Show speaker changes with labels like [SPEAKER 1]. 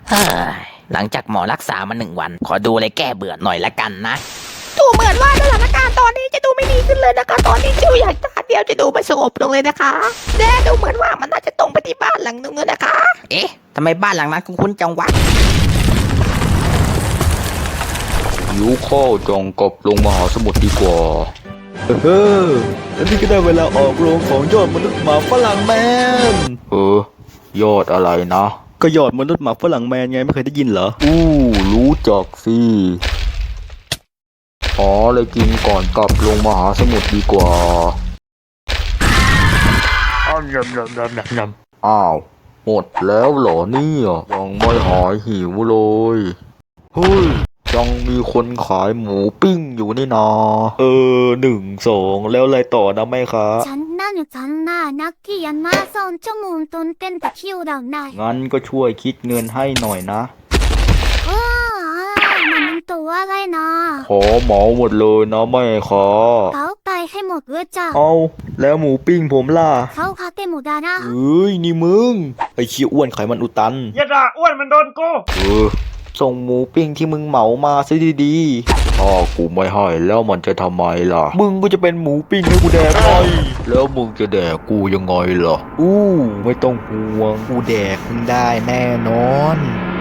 [SPEAKER 1] เฮ้ยหลังจากหมอรักษามา1 วันขอดูอะไรแก้เบื่อหน่อยละกันนะ
[SPEAKER 2] ดูเหมือนว่าสถานการณ์ตอนนี้จะดูไม่ดีขึ้นเลยนะคะตอนนี้จิวอยากจะเดียวจะดูไม่สงบลงเลยนะคะแน่ดูเหมือนว่ามันน่าจะตรงไปที่บ้านหลังนึงเลยนะคะ
[SPEAKER 1] เอ๊ะทำไมบ้านหลังนั้นคุ้นๆจังวะ
[SPEAKER 3] หิวข้าวจองกับลงมหาสมุทรดีกว่า
[SPEAKER 4] แล้วนี่ก็ได้เวลาออกโรงของยอดมนุษย์หมาฝรั่งแมน
[SPEAKER 3] ยอดอะไรนะ
[SPEAKER 4] ก็ยอดมนุษย์หมาฝรั่งแมนไงไม่เคยได้ยินเหรอ
[SPEAKER 3] รู้จักสิอ๋อเลยกินก่อนกลับลงมหาสมุทรดีกว่าอ้าวหมดแล้วเหรอเนี่ยยังไม่หายหิวเลยเฮ้ยยังมีคนขายหมูปิ้งอยู่นี่นา
[SPEAKER 4] 1 2แล้วอะไรต่อนะแม่คะ
[SPEAKER 5] 잔나 나키 얀마선 좀돈 땐다 키우다
[SPEAKER 4] งั้นก็ช่วยคิดเงินให้หน่อยนะ
[SPEAKER 5] 나는 또 와가이 나
[SPEAKER 4] ขอเหมาหมดเลยนะแม่คะ
[SPEAKER 5] 가오빠이 해못 의자
[SPEAKER 4] เอาแล้วหมูปิ้งผมล่ะ
[SPEAKER 5] 가오 가게 못하나
[SPEAKER 4] เอ้ยนี่มึงไอ้เชี่ยอ้วนไขมันอุดตัน
[SPEAKER 6] อย่าด่าอ้วนมันโดนกู
[SPEAKER 4] ส่งหมูปิ้งที่มึงเหมามาซะดีๆ
[SPEAKER 3] ถ้ากูไม่ให้แล้วมันจะทำไมล่ะ
[SPEAKER 4] มึงก็จะเป็นหมูปิ้งให้กูแดกไง
[SPEAKER 3] แล้วมึงจะแดกกูยังไงล่ะ
[SPEAKER 4] ไม่ต้องห่วงกูแดกมึงได้แน่นอน